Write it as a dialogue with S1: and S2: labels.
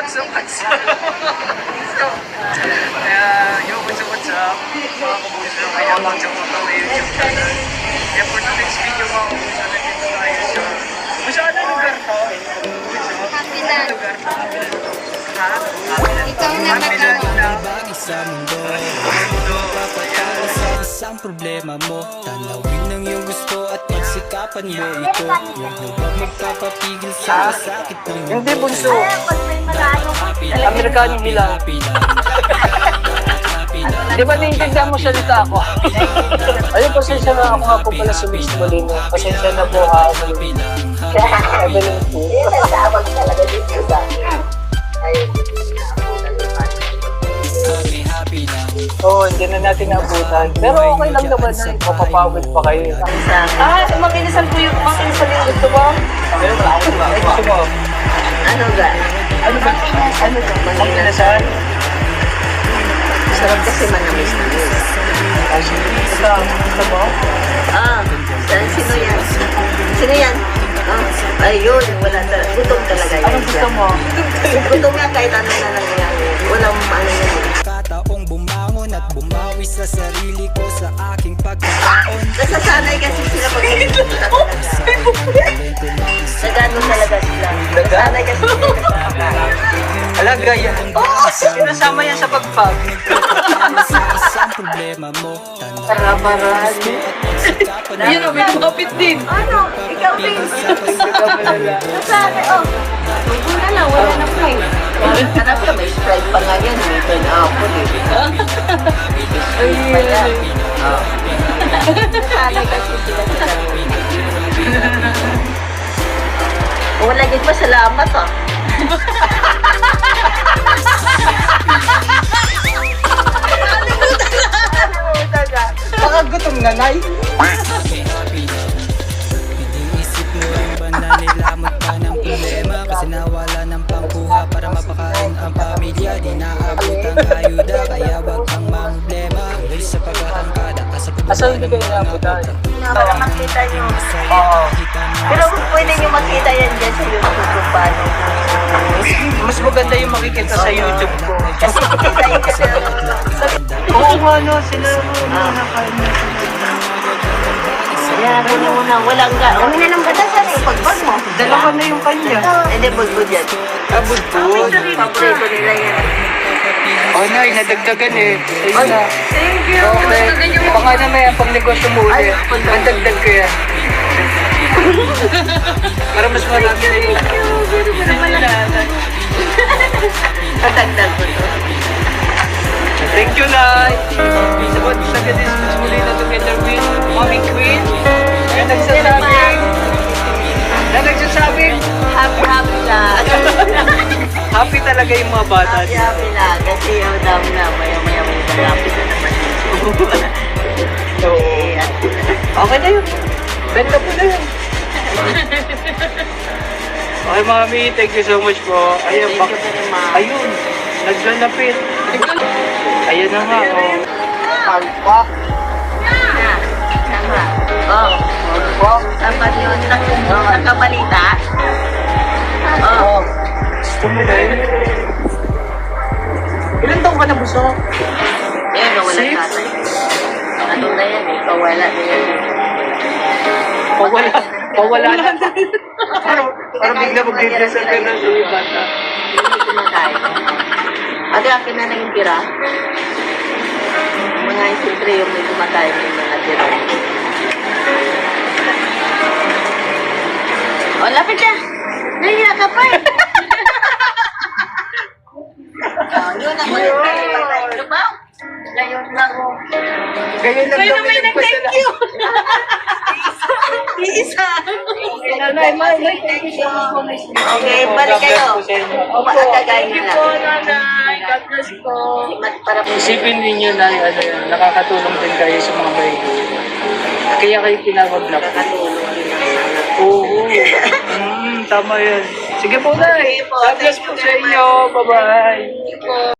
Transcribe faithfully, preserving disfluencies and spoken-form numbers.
S1: So, what's up? So, kaya, yo, what's up, what's up? Mga kabuso, kaya welcome to my YouTube channel. Kaya for today's video, mga kabuso, nandito tayo sa... Kung saan na lugar to?
S2: Happyland.
S1: Lugar to? Ha?
S2: Ikaw na
S1: Happyland
S2: mag-ano.
S1: na.
S3: Sa mundo,
S1: Mundo. Ayan.
S3: sa isang problema mo, tanawin ng iyong gusto at pagsikapan mo ito. Huwag mo ba magpapapigil sa sakit ng mundo?
S4: Hindi, bunso.
S3: Happy lang,
S4: Amerikano bilang.
S3: happy lang, happy lang.
S4: Di ba naiintindihan mo salita ako? Ayun, pasensya na ako nga po pala sa Miss Molino. Pasensya na po ha.
S3: Happy lang,
S4: Evelyn po.
S3: happy, happy lang.
S4: Oo, hindi na natin naabutan. Pero okay lang naman na mapapawid pa kayo. Ah, makinisal po yung makinisal yung gusto mo? Ayun, ako ba? Ay, gusto mo?
S2: Ano ga?
S4: Ano ba? Ano ba? Makinisal?
S2: Sarap kasi manamis na yun.
S4: Ay, ito, gusto mo?
S2: Ah, saan? Sino yan? Sino yan? Ah, ayun, wala talaga. Gutom talaga yan.
S4: Anong gusto mo?
S2: Gutom nga kahit ano na nangyayari. Walang ano yan.
S3: Kataong bumangon at bumawi sa sarili ko sa aking pagkakaon.
S2: Nasasanay kasi sila pag pumunta talaga. Nagano talaga sila. Nasasanay kasi sila nagkakain.
S4: Alaga yan. Oo! Sinasama yan sa pagpag.
S3: Sa isang problema mo, tanawin
S4: Para-paraan. Yun o, may tumapit din.
S2: Ano? Ikaw din. Nasasanay, oh. Tubo na lang, wala na po eh. Hanap ka, may Sprite pa nga yan. May pineapple eh.
S4: Ay, ay.
S2: Nasanay kasi sila sa wala din pa salamat ah.
S4: Baka gutom na, Nay.
S3: happy, happy lang. Iniisip mo rin ba na nilamot ka ng problema? Kasi nawala ng pangkuha para mapakain ang pamilya. Di naabot ang ayuda, kaya wag kang mamblema. Tuloy sa pagkakangkada, asa po ba
S4: Asan hindi kayo naabutan?
S2: Para makita nyo.
S4: Oo.
S2: Pero pwede nyo makita yan dyan sa YouTube kung paano.
S4: Mas maganda yung makikita sa YouTube ko.
S2: Kasi makita yun kasi
S4: Oo nga, no. Sila mo nakakain na sila.
S2: kaya ko na muna. Walang ga. Ang hinanong ganda sa rin. Pagbag mo.
S4: Dalawa na yung kanya.
S2: Hindi, bulbul yan.
S4: Abudbud.
S2: Paborito nila yan.
S4: Oh, Nay, nadagdagan eh. Ayun na.
S2: Thank you.
S4: Okay. Baka na may pang negosyo mo ulit. Mandagdag ko yan. Para mas marami na yun.
S2: Patagdag ko to.
S4: Thank you, Nay. Sabot sa gadis mas muli na together with Mommy Queen. Na nagsasabing, na nagsasabing,
S2: Happy, happy lang.
S4: happy talaga yung mga bata.
S2: Happy, happy lang. Kasi yung dami na, maya-maya may malapit na naman.
S4: So,
S2: Eh, at
S4: okay na yun. Benta po na yun. Okay, Mami. Thank you so much po. Ayun,
S2: thank
S4: bak-
S2: you very much.
S4: ayun. Naglalapit. Ayun na nga, oh. Palpak.
S2: Na, tama. Oh,
S4: Palpak.
S2: tama yun. Nak- Nakabalita. Oh,
S4: Oh. Gusto mo na yun? Ilan taong ka na buso?
S2: ayun, nawala
S4: Six?
S2: tatay. Ano na yan eh, kawala na yan.
S4: Pawala. Pawala na. Parang parang bigla mag-depression ka na sa iyo, bata.
S2: Hindi kumakain. Ate, akin na lang yung tira. Mga siyempre yung may kumakain ng mga tira. O, lapit na! Naiya ka pa eh! Oh, yun ang mga
S4: Yun.
S2: lumaw. Ngayon lang oh.
S4: Ganyan lang daw may nagpasala.
S2: Isa!
S4: Nanay, Nanay, thank you so much.
S2: Okay, balik kayo. Makakagayin na lang.
S4: Nanay. God bless po.
S2: Para po
S4: Isipin ninyo na ano yan, nakakatulong din kayo sa mga mahihirap. Kaya kayo tinawag na po.
S2: nakatulong din ang anak.
S4: Oo. Mm, tama yan. Sige po, Nay.
S2: Sige po,
S4: God bless
S2: thank
S4: po
S2: you
S4: sa
S2: very
S4: inyo. Bye-bye.